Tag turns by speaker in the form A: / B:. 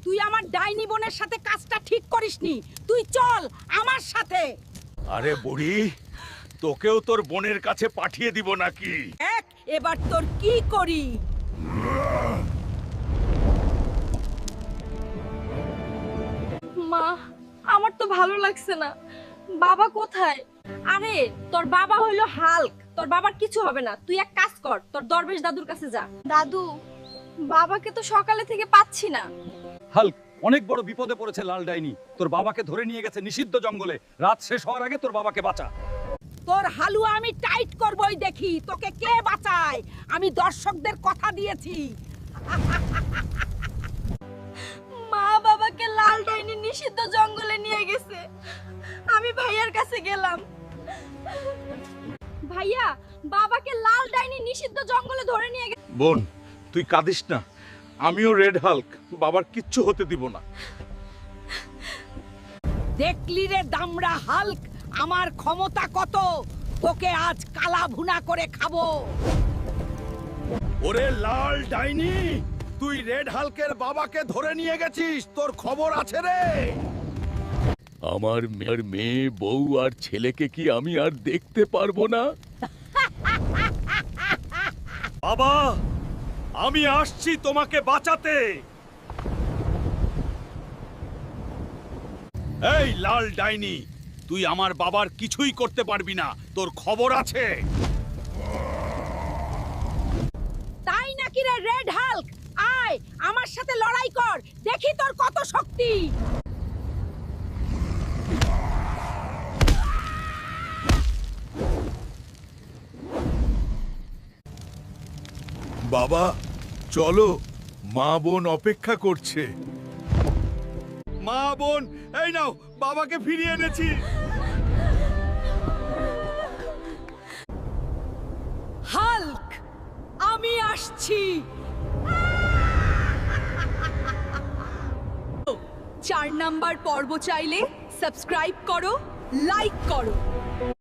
A: তুই আমার ডাইনি বোনের সাথে কাজটা ঠিক করিসনি। তুই চল আমার সাথে।
B: আরে বুড়ি, তোকেও তোর বোনের কাছে পাঠিয়ে দিব নাকি?
A: এবার তোর কি করি?
C: মা, আমার তো ভালো লাগছে না। বাবা কোথায়?
A: আরে তোর বাবা হইলো হাল্ক, তোর বাবার কিছু হবে না। তুই এক কাজ কর, তোর দরবেশ দাদুর কাছে যা।
C: দাদু, বাবাকে তো সকালে থেকে পাচ্ছি না।
D: হাল্ক, অনেক বড় বিপদে পড়েছে লাল ডাইনি। তোর বাবাকে ধরে নিয়ে গেছে নিষিদ্ধ জঙ্গলে। রাত শেষ হওয়ার আগে তোর বাবাকে বাঁচা।
A: তোর হালুয়া আমি টাইট করবই, দেখি তোকে কে বাঁচায়। আমি দর্শকদের কথা দিয়েছি।
C: মা বাবাকে লাল ডাইনি নিষিদ্ধ জঙ্গলে নিয়ে গেছে। আমি ভাইয়ার কাছে গেলাম। ভাইয়া, বাবাকে লাল ডাইনি নিষিদ্ধ জঙ্গলে ধরে নিয়ে গেছে।
B: বোন, তুই কাঁদিস না। আমিও রেড হাল্ক, বাবার কিচ্ছু হতে দিব না।
A: দেখলি রে দামড়া হাল্ক, আমার ক্ষমতা কত। তোকে আজ কালা ভুনা করে খাবো।
B: ওরে লাল ডাইনি, তুই রেড হাল্কের বাবাকে ধরে নিয়ে গেছিস। তোর খবর আছে রে? আমার মেয়ে, বউ আর ছেলেকে কি আমি আর দেখতে পারবো না? বাবা, আমি আসছি তোমাকে বাঁচাতে। এই লাল ডাইনি, তুই আমার বাবার কিছুই করতে পারবি না। তোর খবর আছে?
A: তাই নাকি রে রেড হাল্ক? আয় আমার সাথে লড়াই কর, দেখি তোর কত শক্তি।
B: বাবা, চলো, মা বোন অপেক্ষা করছে। মা বোন, এই নাও, বাবাকে ফিরিয়ে এনেছি।
A: হাল্ক, আমি আসছি। 4 নাম্বার পর্ব চাইলে সাবস্ক্রাইব করো, লাইক করো।